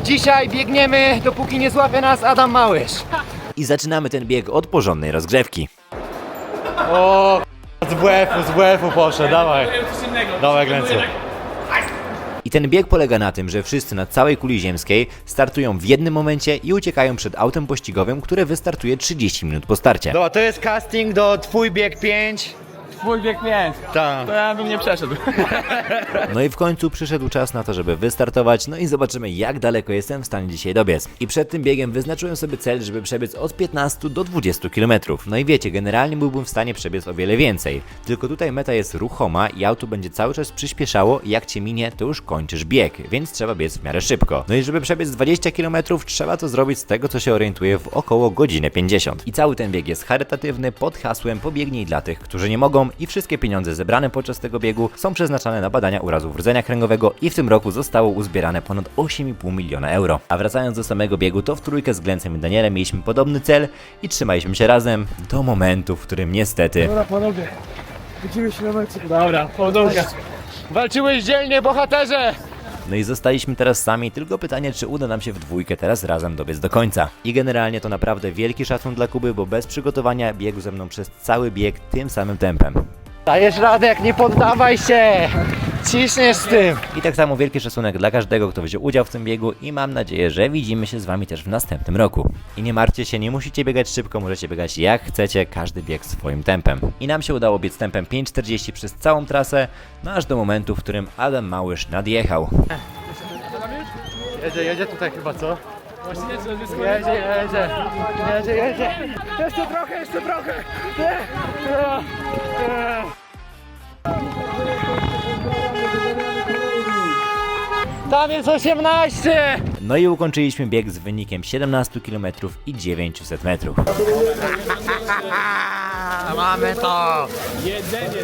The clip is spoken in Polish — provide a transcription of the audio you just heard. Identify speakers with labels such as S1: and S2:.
S1: Dzisiaj biegniemy, dopóki nie złapie nas Adam Małysz.
S2: I zaczynamy ten bieg od porządnej rozgrzewki.
S1: O, z WF-u poszedł, dawaj. Dawaj, Glencu.
S2: I ten bieg polega na tym, że wszyscy na całej kuli ziemskiej startują w jednym momencie i uciekają przed autem pościgowym, które wystartuje 30 minut po starcie.
S1: Dobra, to jest casting do Twój bieg 5.
S3: Twój bieg 5.
S1: Tak.
S3: To ja bym nie przeszedł.
S2: No i w końcu przyszedł czas na to, żeby wystartować, no i zobaczymy, jak daleko jestem w stanie dzisiaj dobiec. I przed tym biegiem wyznaczyłem sobie cel, żeby przebiec od 15 do 20 km. No i wiecie, generalnie byłbym w stanie przebiec o wiele więcej. Tylko tutaj meta jest ruchoma i auto będzie cały czas przyspieszało i jak cię minie, to już kończysz bieg, więc trzeba biec w miarę szybko. No i żeby przebiec 20 km, trzeba to zrobić z tego, co się orientuję, w około godzinę 50. I cały ten bieg jest charytatywny pod hasłem Pobiegnij dla tych, którzy nie mogą, i wszystkie pieniądze zebrane podczas tego biegu są przeznaczane na badania urazów rdzenia kręgowego i w tym roku zostało uzbierane ponad 8,5 miliona euro. A wracając do samego biegu, to w trójkę z Glencem i Danielem mieliśmy podobny cel i trzymaliśmy się razem do momentu, w którym niestety...
S3: Dobra, panowie. Widzimy się na mecie. Dobra, powodzonka.
S1: Walczyłeś dzielnie, bohaterze!
S2: No i zostaliśmy teraz sami, tylko pytanie, czy uda nam się w dwójkę teraz razem dobiec do końca. I generalnie to naprawdę wielki szacun dla Kuby, bo bez przygotowania biegł ze mną przez cały bieg tym samym tempem.
S1: Dajesz radę, jak nie poddawaj się! Ciśniesz z tym!
S2: I tak samo wielki szacunek dla każdego, kto wziął udział w tym biegu i mam nadzieję, że widzimy się z wami też w następnym roku. I nie martwcie się, nie musicie biegać szybko, możecie biegać jak chcecie, każdy bieg swoim tempem. I nam się udało biec tempem 5,40 przez całą trasę, no aż do momentu, w którym Adam Małysz nadjechał.
S1: Jedzie tutaj chyba, co?
S3: Właśnie nie, że wyskoczył.
S1: Jedzie. Jeszcze trochę! Nie. Tam jest 18!
S2: No i ukończyliśmy bieg z wynikiem 17 km i 900 metrów.
S1: Mamy to!
S3: Jedzenie.